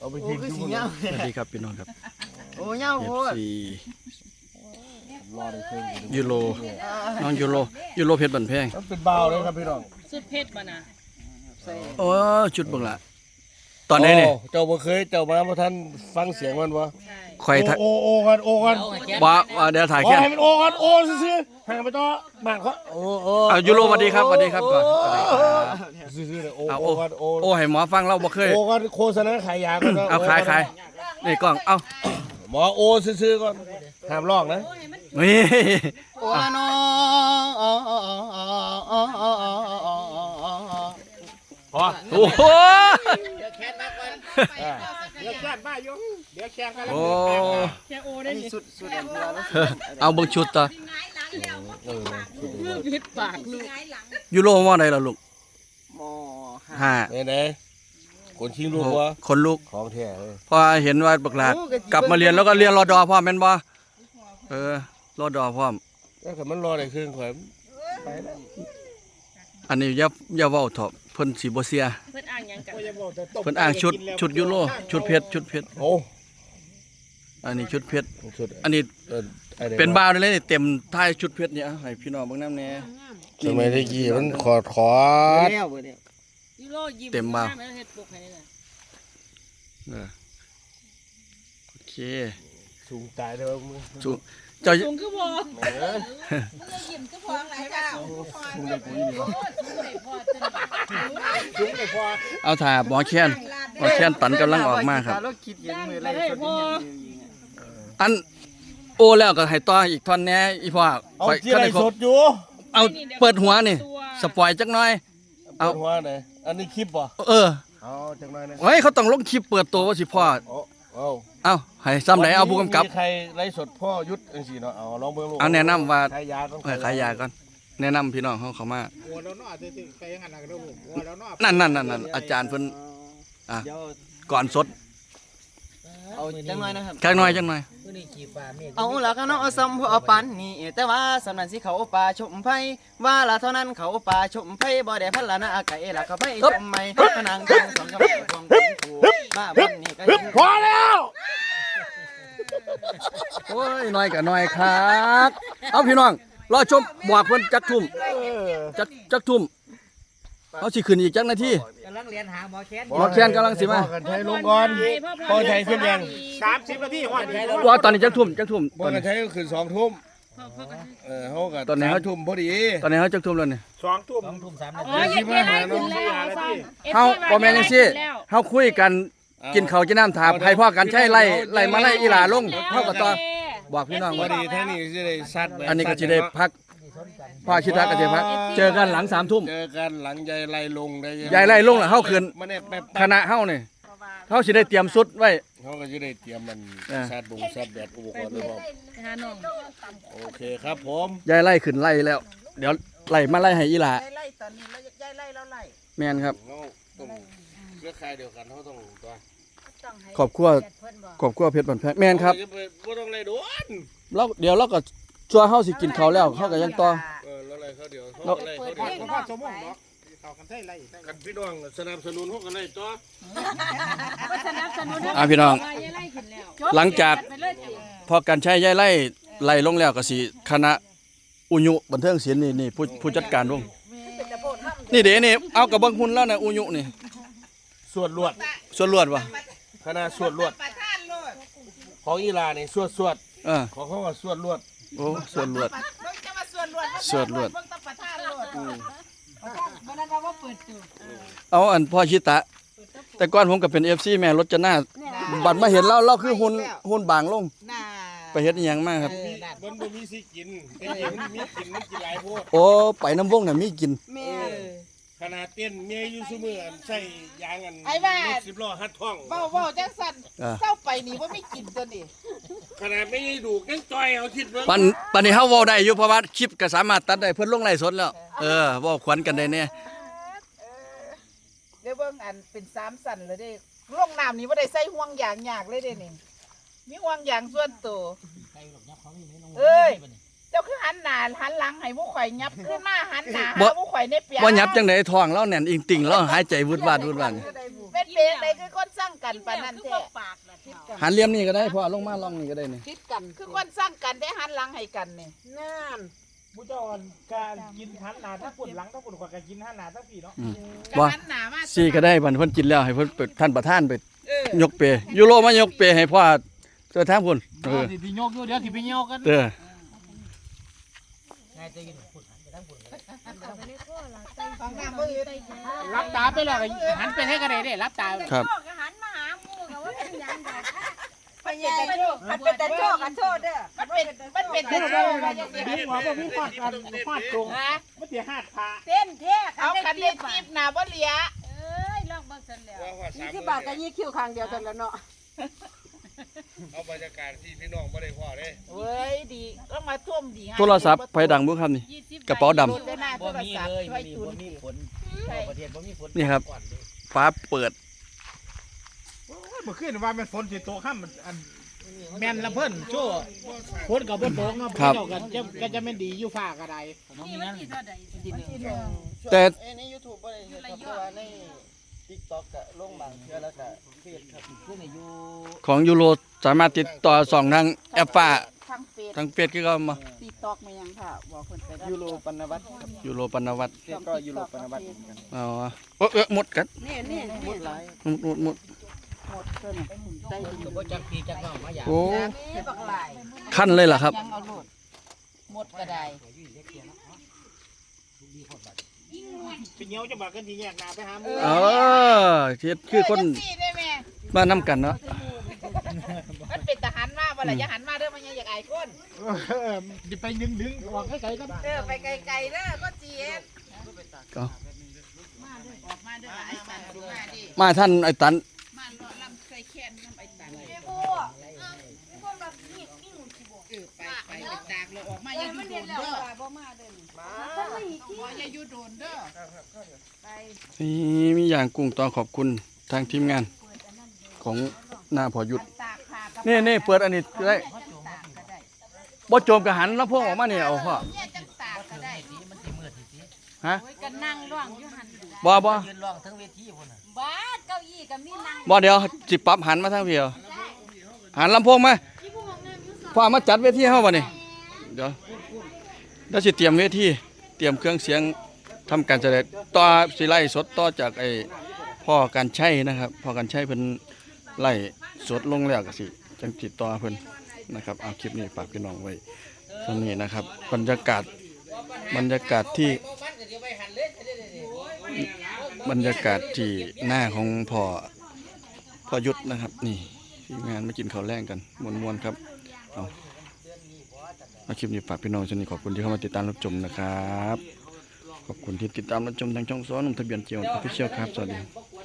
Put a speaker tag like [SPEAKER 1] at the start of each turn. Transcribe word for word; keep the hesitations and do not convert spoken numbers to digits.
[SPEAKER 1] เอาไปทิ้งทุกคนสวัสดีครับพี่น้องครับโอ้ยเอฟซียูโรน้องยูโรยูโรเพชรบันแพง
[SPEAKER 2] เป็นเบาเลยครับพี่น้อง
[SPEAKER 3] สุดเพชรมานะ
[SPEAKER 1] โอ้ชุดบังละตอนนี้เนี่ย
[SPEAKER 2] เจ้าบ่เคยเจ้ามาบ่ทันฟังเสียงมันวะ
[SPEAKER 1] คอย
[SPEAKER 2] โอโอกันโอกัน
[SPEAKER 1] ว่าเดี๋ยวถ่ายแค่
[SPEAKER 2] ให้มันโอกันโอซื่อๆให้ไปต่อบ้านเขาโอ้โอ้
[SPEAKER 1] เอายูโรสวัสดีครับสวัสดีครับก่อน
[SPEAKER 2] ซื่อๆเลยโอโอกันโอ
[SPEAKER 1] โอ้ให้หมอฟังเราบ่เคย
[SPEAKER 2] โอกันโฆษณาขายยาก่อน
[SPEAKER 1] เอาขายขายนี่กล้องเอา
[SPEAKER 2] หมอโอซื่อๆก่อนห้ามลอกนะ
[SPEAKER 1] นี่
[SPEAKER 2] โอ้ละน้พอ
[SPEAKER 1] โอ้โห
[SPEAKER 2] เดี๋ยวแข่งมาก่อนเดี๋ยวแข่งมาอยู่เดี๋ยวแข่งกันแล้ว
[SPEAKER 3] แค่โอได้
[SPEAKER 2] สุดสุด
[SPEAKER 1] เอาเบิ่งชุดต่อ
[SPEAKER 3] พิษปากลูก
[SPEAKER 1] ยูโรว่าไหนล่ะลูก
[SPEAKER 2] ม
[SPEAKER 1] ห้า
[SPEAKER 2] ไหนๆคนชิงลูกวะ
[SPEAKER 1] คนลูก
[SPEAKER 2] ของแท้เลย
[SPEAKER 1] พอเห็นว่าบักหลาดกลับมาเรียนแล้วก็เรียนรอดอพ่อแม่นบ่เออรอดอพ่อม
[SPEAKER 2] แล้วก็มันรอได้ครึ่งข่อย
[SPEAKER 1] อันนี้อย่าอย่าเว้าเถาะเพิ่นสิบ่เสีย
[SPEAKER 3] เพิ่นอ้างหยังกัน
[SPEAKER 1] เพิ่นอ้างชุดชุดยูโรชุดเพชรชุดเพชร
[SPEAKER 2] โอ้
[SPEAKER 1] อันนี้ชุดเพชรอันนี้เป็นบ่าวเลยนี่เต็มท้ายชุดเพชรเนี่ยให้พี่น้องเบิ่งนำแน่
[SPEAKER 2] สมัยตะกี้มันขอดขอด
[SPEAKER 3] ยูโรยิ้ม
[SPEAKER 1] เต็มบ่าว
[SPEAKER 3] เฮ็ดปกให้นี่น่ะ
[SPEAKER 1] เออโอเค
[SPEAKER 2] สูงตายได้บ่มึง
[SPEAKER 1] สูงเจ้า
[SPEAKER 3] สูงคือบ่
[SPEAKER 2] เออ
[SPEAKER 3] ยิ้มคือพอหลายเจ้า
[SPEAKER 2] สูงได้กูนี่บ่
[SPEAKER 3] สูงได้พอ
[SPEAKER 1] เอาถ่าหมอแค้นหมอแค้นตันกำลังออกมาครับอันโอแล้วก็ให้ต่ออีกท่อนแน่อีพ่อ
[SPEAKER 2] ข่อยคันได้สดอยู่
[SPEAKER 1] เอาเปิดหัวนี่สปอยจักหน่อย
[SPEAKER 2] เอาหัวไหนอันนี้คลิปบ่
[SPEAKER 1] เออ
[SPEAKER 2] เอาจักหน่อยนะ
[SPEAKER 1] เฮ้ยเขาต้องลงคลิปเปิดตัวว่าสิพ่อ
[SPEAKER 2] เอา
[SPEAKER 1] เอาให้ซ้ำไหนเอาผู้กำกับ
[SPEAKER 2] ใครไลฟ์สดพ่อยุทธจังซี่เนาะเอาลองเบิ่งลูก
[SPEAKER 1] เอาแนะนำว่า
[SPEAKER 2] ขายยาก่อน
[SPEAKER 1] ขายยาก่อนแนะนำพี่น้องเขาเข้ามา
[SPEAKER 4] หัวเราเนาะสิไปอย่างนั้นน่ะลูกหัวเราเนาะ
[SPEAKER 1] นั่นนั่นๆๆอาจารย์เพิ่นอ่ะก่อนสด
[SPEAKER 5] เอาจังหน่อยนะครับ
[SPEAKER 1] จังหน่อยจังหน่อย
[SPEAKER 5] เอาละก็น้องซ้ำพอปันนี่แต่ว่าสำนันสิเขาป่าชมไผว่าละเท่านั้นเขาป่าชมไผบ่ได้พันละนะไก่ละเขาไผชมไม่พนังทองสองกำลังทองถูมาวันนี้ก็ยิง
[SPEAKER 2] พอแล้ว
[SPEAKER 1] โอ้ยน้อยกับน้อยครับเอาพี่น้องรอชมบอกเพิ่นจักทุ่มจักจักทุ่มเขาสิขึ้นอีกจักนาที
[SPEAKER 5] กำลังเรียนหาหมอแค้น
[SPEAKER 1] หมอแค้นกำลังสิมา
[SPEAKER 2] กันใช้ลงก่อนพอใช้ขึ้นยัง
[SPEAKER 4] สามสิบนาทีฮอดนี่
[SPEAKER 1] ว่าตอนนี้จักทุ่มจักทุ่ม
[SPEAKER 2] ตอนนี้ใช้ก็ขึ้นสองทุ่มเออเฮาก็ตอนนี้เฮาทุ่มพอดี
[SPEAKER 1] ตอนนี้เฮาจักทุ่มแล้วนี่
[SPEAKER 4] สองทุ่ม
[SPEAKER 5] สองทุ่มสามนา
[SPEAKER 3] ทียี่สิบห้านาที
[SPEAKER 1] เฮาบ่แม่นจังซี่เฮาคุยกันกินข้าวกินน้ำถามให้พ่อกันใช้ไล่ไล่มาไล่อีหลาลงเฮาก็ต่อบอกพี่น้อง
[SPEAKER 2] พอดีท่านี้สิได้ซัด
[SPEAKER 1] อันนี้ก็สิได้พักพ่อชิดรักก็สิพักเจอกันหลังสามทุ่ม
[SPEAKER 2] เจอกันหลังยายไล่ลงได้
[SPEAKER 1] ยายไล่ลงล่ะเฮาขึ้นคณะเฮานี่เฮาสิได้เตรียมสุดไว้
[SPEAKER 2] เฮาก็สิได้เตรียมมันซัดบงซัดแดดอุปกรณ์ไว้พร้อมโอเคครับผม
[SPEAKER 1] ยายไล่ขึ้นไล่แล้วเดี๋ยวไล่มาไล่ให้อีหลา
[SPEAKER 5] ไล่ตอนนี้แล้วยายไล่แล้วไล่
[SPEAKER 1] แม่นครับ
[SPEAKER 2] เครือข่ายเดียวกันเฮาต้องตัว
[SPEAKER 1] ขอบครัวขอบครัวเพชรบันแพงแม่นครับ
[SPEAKER 2] บ่ต้องไล่โดน
[SPEAKER 1] แล้วเดี๋ยวเราก็ชัวเฮาสิกินข้าวแล้วเฮาก็ยังต่อ
[SPEAKER 2] เออแล้วไล่เขาเดี๋ยวเฮาไล่เขาเดี๋ยว
[SPEAKER 4] พอชั่วโมงเนาะเข้ากันได้ไล่
[SPEAKER 2] กันพี่น้องสนับสนุนเฮากันไล่ต่อ
[SPEAKER 3] บ่สนับสนุน
[SPEAKER 1] อ่ะพี่น้องหลังจากพอกันใช้ยายไล่ไล่ลงแล้วก็สิคณะอุยุบันเทิงศิลป์นี่นี่ผู้ผู้จัดการวงนี่เด้นี่เอากับเบิ่งหุ่นแล้วน่ะอุยุนี่
[SPEAKER 2] สวดลวด
[SPEAKER 1] สวดลวดว่ะ
[SPEAKER 2] คณะสวดลวดของอีหลานี่สวดสวด
[SPEAKER 1] เออ
[SPEAKER 2] ของเขาก็สวดลวด
[SPEAKER 1] โอ้สวดลวดสวดลวดเอาอันพ่อชิตะแต่ก่อนผมก็เป็น เอฟ ซี แม่รถจะหน้าบัดมาเห็นเราเราคือหุ่นหุ่นบางลงไปเฮ็ดอีหยังมาครับ
[SPEAKER 2] มันบ่มีสิกินแต่เดี๋ยวมันมีกินมันกินหลายโพด
[SPEAKER 1] โอ้ไปน้ำวงน่ะมีกิน
[SPEAKER 2] ขนาดเต้นเมียอยู่ซุมื้ออันใส่ยางอัน
[SPEAKER 5] ไอ้บ้ารถ
[SPEAKER 2] สิบล้อหัดท้อง
[SPEAKER 5] เว้าๆจังซั่นเศร้าไปนี่บ่มีกินตัวนี้
[SPEAKER 2] ขนาดไม่ได้ดูยังจอยเอาคิดเบิ่ง
[SPEAKER 1] ปันปันนี้เฮาเว้าได้อยู่เพราะว่าคลิปก็สามารถตัดได้เพิ่นลงไลฟ์สดแล้วเออเว้าขวัญกันได้แน่
[SPEAKER 5] เดี๋ยวเบิ่งอันเป็นสามสั่นเลยเด้ลงน้ำนี่บ่ได้ใส่ห่วงยางยากเลยเด้นี่มีห่วงยางส่วนตัวเอ้ยเจ้าคือหันหน้าหันหลังให้ผู้ข่อยยับขึ้นมาหันหน้าหาผู้ข่อยในเปีย
[SPEAKER 1] บ่ยับจังได๋ท้องเราแน่นอิงติ่งเราหายใจวืดวาดวืดวาด
[SPEAKER 5] เป็นเปียงใดคือคนสร้างกัน
[SPEAKER 6] กันปานนั้นแท้
[SPEAKER 3] ปากล่ะเฒ่า
[SPEAKER 1] หันเหลี่ยมนี่ก็ได้พ่อลงมาลองนี่ก็ได้นี่
[SPEAKER 6] คิดกันคือคนสร้างกันได้หันหลังให้กันนี่
[SPEAKER 4] นั่นมุ้เจ้าการกินหันหน้าทั้งปุ่นหลังทั้งปุ่นกว่าการกินหันหน้าทั้งปีเนาะ
[SPEAKER 1] อืม
[SPEAKER 6] ก็
[SPEAKER 1] บ่
[SPEAKER 6] หันหน้ามา
[SPEAKER 1] สี่ก็ได้บัดเพิ่นกินแล้วให้เพิ่นไปท่านประธานไป
[SPEAKER 6] เออย
[SPEAKER 1] กเปยูโรมายกเปให้พ่อเจอทางพุ่นเออ
[SPEAKER 4] ที่พี่โยกอยู่เดี๋ยวที่พี่โยกกัน
[SPEAKER 1] เด้อ
[SPEAKER 6] ฟังน้ำบ่อื่น
[SPEAKER 4] รับตาไปแล้วหันไปให้กันได้เด้รับตา
[SPEAKER 1] ครับ
[SPEAKER 3] ก็หันมาหาหมู่ก็ว่าเป็นหยังดอก
[SPEAKER 6] ไปใหญ่มันเป็นแต่โชคกันโทษเด้อมันเป็นมันเป็นแต่โชคว่าจังซี่
[SPEAKER 4] พี่หัวบ่พี่ฟาดกันฟาดตรง
[SPEAKER 6] ฮะ
[SPEAKER 4] ไม่เสียหาดพา
[SPEAKER 3] เต้นแท้
[SPEAKER 6] เอาคันเล่นจีบหน้าบ่เหลีย
[SPEAKER 3] เอ้ยลองเบิ่งซั่นแล้ว
[SPEAKER 6] ยี่สิบบาทกับยี่คิวครั้งเดียวกันแล้วเนาะ
[SPEAKER 2] เอาบรรยากาศที่พี่น้องบ่ได้พ่อเด้
[SPEAKER 6] เว้ยดีก็มาท่วมดี
[SPEAKER 1] โทรศัพท์ไผดังบ่ครับนี่ กระเป๋าดำ
[SPEAKER 6] โดนได้หน้าโทรศัพท์ช่วยจุนใช่
[SPEAKER 1] นี่ครับฟ้าเปิด
[SPEAKER 4] เมื่อคืนว่ามันฝนสิตกห้ามอันแม่นละเพิ่นโจ้ฝนกับบ่ตกเนาะพี่เจ้ากันจะก็จะแม่นดีอยู่ฟ้าก็ได้
[SPEAKER 3] นี่มันสิเท่าใด
[SPEAKER 1] แต่
[SPEAKER 5] ใน YouTube บ่ได้เฮ็ดครับแต่ว่าใน TikTok ก็ลงบางเทื่อแล้วก็เฟซครับคือในอยู่
[SPEAKER 1] ของยูโรสามารถติดต่อส่องทางแอปฟ้า
[SPEAKER 6] ทั้งเฟซ
[SPEAKER 1] ทางเฟซคือเขามา
[SPEAKER 6] ติ๊กต็อกมายังค่ะบอกคนไปได้
[SPEAKER 5] ยูโรปนวัตรครับ
[SPEAKER 1] ยูโรปนวัตร
[SPEAKER 5] เฟซก็ยูโรปนวัตรเหมือนกัน
[SPEAKER 1] อ๋อเอ้อเอ้อหมดกัน
[SPEAKER 6] นี่นี่
[SPEAKER 5] หมดหลาย
[SPEAKER 1] หมดหมดหมด
[SPEAKER 6] หมดเพิ่นได้ดี
[SPEAKER 1] โอ้
[SPEAKER 6] นี่บักหลาย
[SPEAKER 1] ขั้นเลยล่ะครับ
[SPEAKER 6] ยังเอาโลดหมดก็ได้
[SPEAKER 4] พี่เหนียวจะบอกกันที่แยกหน้าไปหาหมู่
[SPEAKER 1] เออเฮ็ดคือคน
[SPEAKER 6] เจังซี่ได้แม่
[SPEAKER 1] มานํกันเนาะ
[SPEAKER 6] มันเป็นทหารมาบ่ล่ะอย่าหันมาเด้อมันยังอยากอายคน
[SPEAKER 4] เออดิไปดึงดึงออกให้ไกลกัน
[SPEAKER 6] เออไปไกลๆเด้อก็จีเอ็น
[SPEAKER 1] ก็
[SPEAKER 6] ออกมาเด้อไอ้ตันดูมาดิ
[SPEAKER 1] มาท่านไอ้ตัน
[SPEAKER 6] มาเลาะลำใส่แขนน้ำไอ้ตัน
[SPEAKER 3] แม่บัวพวกเรานี่นี่หนูสิบอก
[SPEAKER 6] เออไปไปไปตากเลยออกมาอย่าอยู่โดนเด้อ
[SPEAKER 3] บ่มาเด้อ
[SPEAKER 6] ออกมาอย่าอยู่โดนเด้อ
[SPEAKER 1] นี่มีอย่างกุ้งต่อขอบคุณทางทีมงานของหน้าพอยุทธ
[SPEAKER 6] ตากผ้ากับ
[SPEAKER 1] นี่นี่เปิดอันนี้ได้
[SPEAKER 6] ตากก็ได้
[SPEAKER 1] บ่โจมกระหันแล้วพวกออกมาเนี่ยเอาพ่อ
[SPEAKER 6] เนี่ยจังตากก็ได้
[SPEAKER 1] ฮะ
[SPEAKER 3] โอ้ยก็นั่งร้องอยู่หั่น
[SPEAKER 1] บ่บ่
[SPEAKER 3] บ้าเก้าอี้ก็มีนั่ง
[SPEAKER 1] บ่เดี๋ยวสิปรับหันมาทางเพียวหันลำโพงมาพ่อมาจัดเวทีเฮาบ่นี่เดี๋ยวเดี๋ยวสิเตรียมเวทีเตรียมเครื่องเสียงทำการแสดงต่อสิไล่สดต่อจากไอ้พ่อการใช้นะครับพ่อการใช้เพิ่นไล่สดลงแล้วก็สิจังติดต่อเพิ่นนะครับเอาคลิปนี้ฝากพี่น้องไว้ตรงนี้นะครับบรรยากาศบรรยากาศที่บรรยากาศที่หน้าของพ่อพ่อยุทธนะครับนี่ทีมงานมากินข้าวแรงกันมวนๆครับเอาเอาคลิปนี้ฝากพี่น้องชนิดขอบคุณที่เข้ามาติดตามรับชมนะครับขอบคุณที่ติดตามรับชมทางช่องซ้อนหนุ่มทะเบียนเจียวออฟฟิเชียลครับสวัสดี